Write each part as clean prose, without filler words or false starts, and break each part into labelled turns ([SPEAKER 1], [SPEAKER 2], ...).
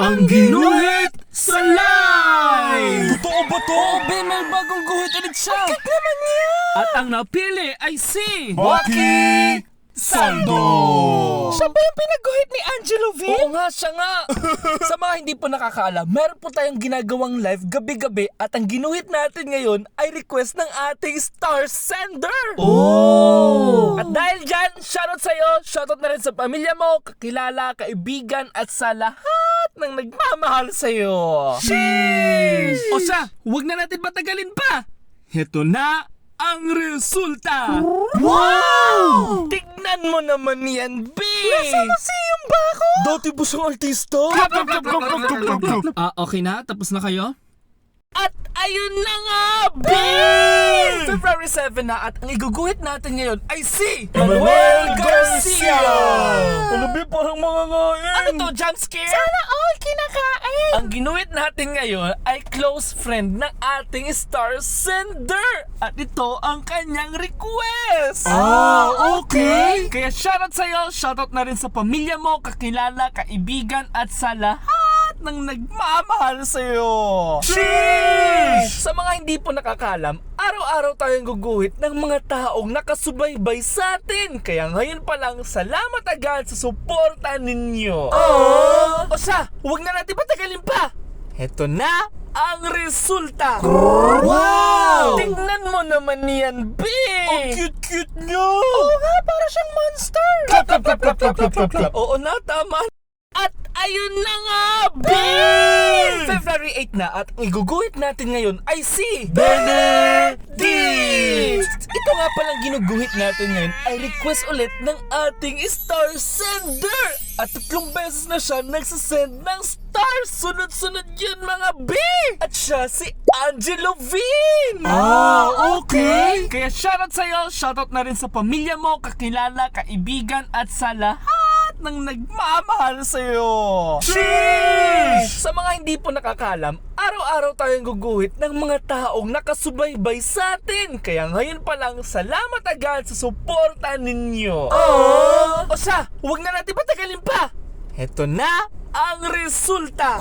[SPEAKER 1] Ang ginuhit sa live!
[SPEAKER 2] Totoo ba to? Be, may bagong guhit ulit siya. Bakit naman yan?
[SPEAKER 1] At ang napili ay si
[SPEAKER 2] Waki
[SPEAKER 1] Saldo!
[SPEAKER 2] Siya ba yung pinaguhit ni Angelo V? Oo nga, siya nga. Sa mga hindi po nakakaalam, meron po tayong ginagawang live gabi-gabi at ang ginuhit natin ngayon ay request ng ating star sender.
[SPEAKER 1] Oh!
[SPEAKER 2] At dahil dyan, shoutout sa'yo, shoutout na rin sa pamilya mo, kakilala, kaibigan at sa lahat ng nagmamahal sa'yo.
[SPEAKER 1] Sheesh! O siya, huwag na natin patagalin pa! Heto na ang resulta!
[SPEAKER 2] Wow! Tignan mo naman yan, B! Nasa museum ba ako? Dati ba siyang artista?
[SPEAKER 1] Okay na? Tapos na kayo?
[SPEAKER 2] At ayun na nga, B! February 7 na at ang iguguhit natin ngayon ay si Manuel Garcia! Ano ba, parang mga ngain? Ano to, jump scare? Sana all kinakain! Ang ginuhit natin ngayon ay close friend ng ating star sender! At ito ang kanyang request!
[SPEAKER 1] Okay!
[SPEAKER 2] Kaya shoutout sa'yo, shoutout na rin sa pamilya mo, kakilala, kaibigan at sa lahat ng nagmamahal sa'yo!
[SPEAKER 1] Sheesh!
[SPEAKER 2] Sa mga hindi po nakakalam, araw-araw tayong guguhit ng mga taong nakasubaybay sa atin. Kaya ngayon pa lang, salamat agad sa suporta ninyo. O siya, huwag na natin patagalin pa. Heto na ang resulta.
[SPEAKER 1] Wow!
[SPEAKER 2] Tingnan mo naman yan, B! Ang cute-cute niya! Oo nga, para siyang monster! Oo na, tama. At ayun na nga, B! February 8 na at ang iguguhit natin ngayon ay si Benedict! Ito nga palang ginuguhit natin ngayon ay request ulit ng ating star sender! At 3 beses na siya nagsasend ng star! Sunod-sunod yun, mga B! At siya si Angelo Vin!
[SPEAKER 1] Okay!
[SPEAKER 2] Kaya shoutout sa'yo, shoutout na rin sa pamilya mo, kakilala, kaibigan at sa lahat ng nagmamahal sa'yo.
[SPEAKER 1] Sheesh!
[SPEAKER 2] Sa mga hindi po nakakalam, araw-araw tayong guguhit ng mga taong nakasubaybay sa atin. Kaya ngayon pa lang, salamat agad sa suporta ninyo. O siya, huwag na natin patagalin pa. Heto na ang resulta.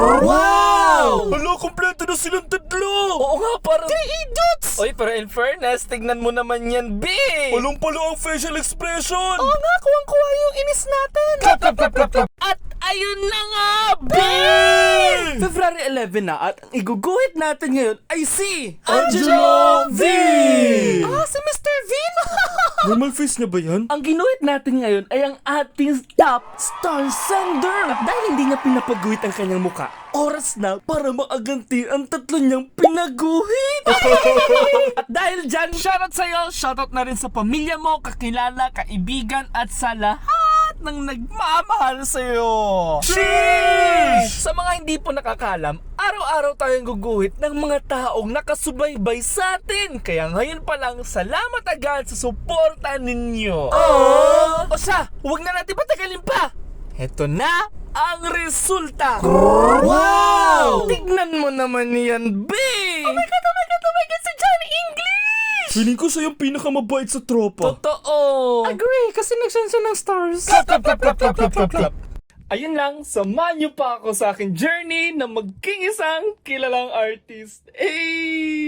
[SPEAKER 1] Wow!
[SPEAKER 2] Hala, kompleto na silang tatlo. Oo nga, parang 3 idiots. Oy, pero in fairness, tignan mo naman yan, B. Palong-palo ang facial expression. Oo nga, kuwang-kuha yung inis natin. At ayun na nga, B! February 11 na at ang iguguhit natin ngayon ay si
[SPEAKER 1] Angelo V!
[SPEAKER 2] Si Mr. Vin!
[SPEAKER 1] Normal face na ba yan?
[SPEAKER 2] Ang ginuhit natin ngayon ay ang ating top star sender. At dahil hindi niya pinapaguhit ang kanyang muka, oras na para maaganti ang 3 niyang pinaguhit. At dahil dyan, shoutout sa'yo, shoutout na rin sa pamilya mo, kakilala, kaibigan at sa lahat ng nagmamahal sa'yo.
[SPEAKER 1] Sheesh!
[SPEAKER 2] Sa mga hindi po nakakalam, araw-araw tayong guguhit ng mga taong nakasubaybay sa atin. Kaya ngayon pa lang, salamat agad sa suporta ninyo. O siya, huwag na natin patagalin pa. Heto na ang resulta.
[SPEAKER 1] Wow!
[SPEAKER 2] Tignan mo naman yan, B! Oh my God, si Johnny English!
[SPEAKER 1] Feeling ko siya yung pinakamabait sa tropa.
[SPEAKER 2] Totoo!
[SPEAKER 1] Agree, kasi nagsense siya ng stars.
[SPEAKER 2] Ayun lang, samahan niyo pa ako sa aking journey na maging isang kilalang artist. Hey!